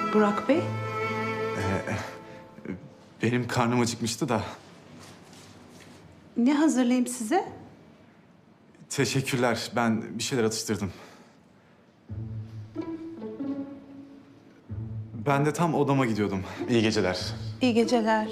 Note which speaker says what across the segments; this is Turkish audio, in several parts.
Speaker 1: Burak Bey?
Speaker 2: Benim karnım acıkmıştı da.
Speaker 1: Ne hazırlayayım size?
Speaker 2: Teşekkürler. Ben bir şeyler atıştırdım. Ben de tam odama gidiyordum. İyi geceler.
Speaker 1: İyi geceler.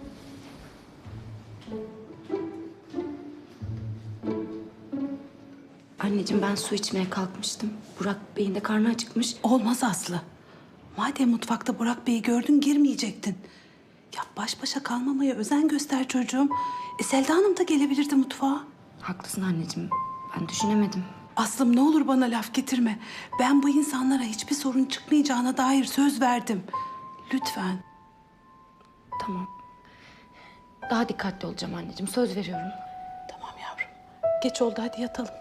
Speaker 3: Anneciğim ben su içmeye kalkmıştım. Burak Bey'in de karnı acıkmış.
Speaker 1: Olmaz Aslı. Madem mutfakta Burak Bey'i gördün girmeyecektin. Ya baş başa kalmamaya özen göster çocuğum. Selda Hanım da gelebilirdi mutfağa.
Speaker 3: Haklısın anneciğim. Ben düşünemedim.
Speaker 1: Aslım ne olur bana laf getirme. Ben bu insanlara hiçbir sorun çıkmayacağına dair söz verdim. Lütfen.
Speaker 3: Tamam. Daha dikkatli olacağım anneciğim. Söz veriyorum.
Speaker 1: Tamam yavrum. Geç oldu hadi yatalım.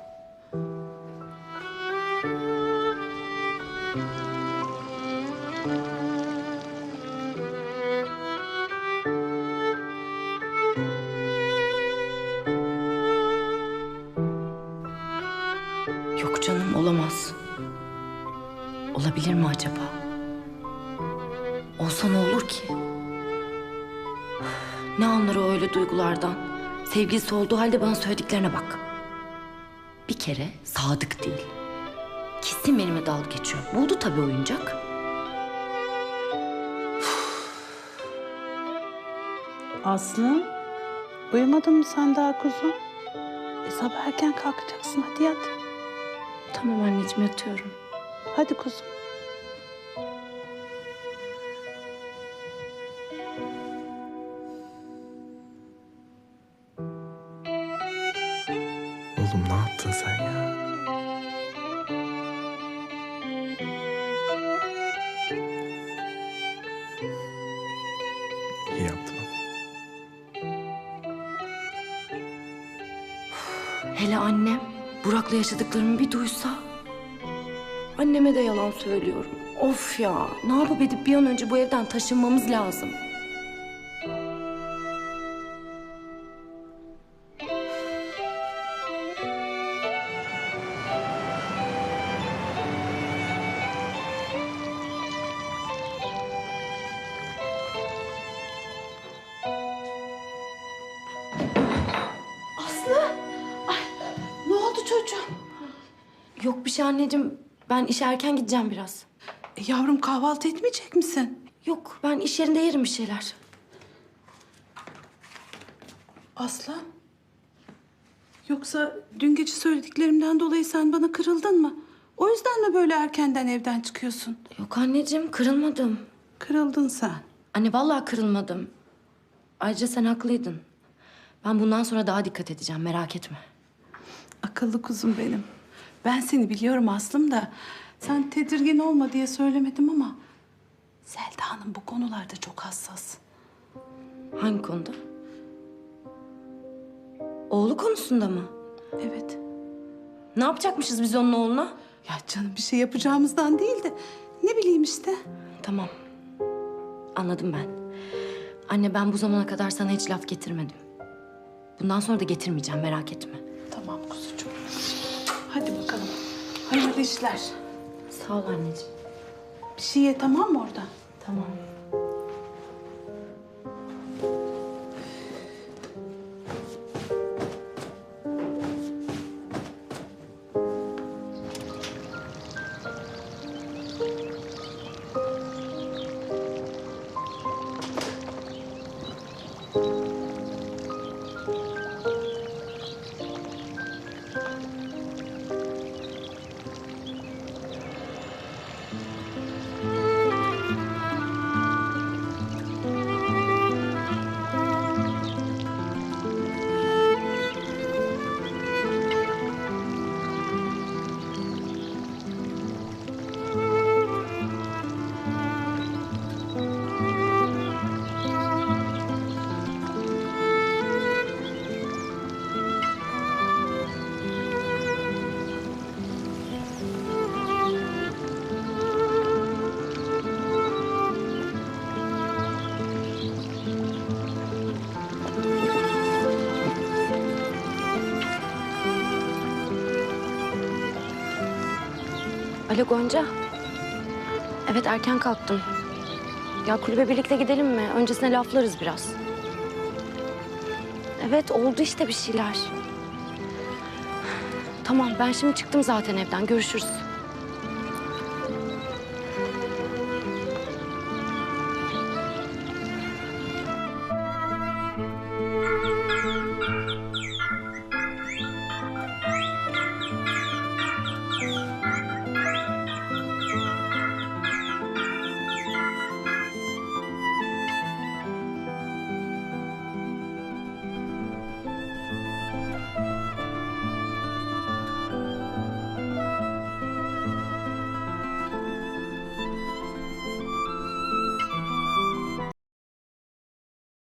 Speaker 3: Yok canım olamaz. Olabilir mi acaba? Olsa ne olur ki? Ne anlar o öyle duygulardan? Sevgilisi olduğu halde bana söylediklerine bak. Bir kere sadık değil. Kesin benimle dalga geçiyor. Buldu tabii oyuncak.
Speaker 1: Aslı, uyumadın mı sen daha kuzum? Sabah erken kalkacaksın hadi yat.
Speaker 3: Tamam anneciğim yatıyorum.
Speaker 1: Hadi kuzum.
Speaker 2: Oğlum ne yaptın sen ya? İyi yaptın ama.
Speaker 3: Hele annem Burak'la yaşadıklarımı bir duysa. Anneme de yalan söylüyorum. Of ya, ne yapıp edip bir an önce bu evden taşınmamız lazım.
Speaker 1: Aslı! Ay, ne oldu çocuğum?
Speaker 3: Yok bir şey anneciğim. Ben işe erken gideceğim biraz.
Speaker 1: Yavrum kahvaltı etmeyecek misin?
Speaker 3: Yok ben iş yerinde yerim bir şeyler.
Speaker 1: Aslı? Yoksa dün gece söylediklerimden dolayı sen bana kırıldın mı? O yüzden mi böyle erkenden evden çıkıyorsun?
Speaker 3: Yok anneciğim kırılmadım.
Speaker 1: Kırıldın sen.
Speaker 3: Anne vallahi kırılmadım. Ayrıca sen haklıydın. Ben bundan sonra daha dikkat edeceğim merak etme.
Speaker 1: Akıllı kuzum benim. Ben seni biliyorum Aslım da sen tedirgin olma diye söylemedim ama Selda Hanım bu konularda çok hassas.
Speaker 3: Hangi konuda? Oğlu konusunda mı?
Speaker 1: Evet.
Speaker 3: Ne yapacakmışız biz onun oğluna?
Speaker 1: Ya canım bir şey yapacağımızdan değil de ne bileyim işte.
Speaker 3: Tamam. Anladım ben. Anne ben bu zamana kadar sana hiç laf getirmedim. Bundan sonra da getirmeyeceğim merak etme.
Speaker 1: Tamam kuzucuğum. Hadi bakalım. Hayırlı işler.
Speaker 3: Sağ ol anneciğim.
Speaker 1: Bir şey ye tamam mı orada?
Speaker 3: Tamam. Alo Gonca. Evet erken kalktım. Ya kulübe birlikte gidelim mi? Öncesine laflarız biraz. Evet, oldu işte bir şeyler. Tamam, ben şimdi çıktım zaten evden. Görüşürüz.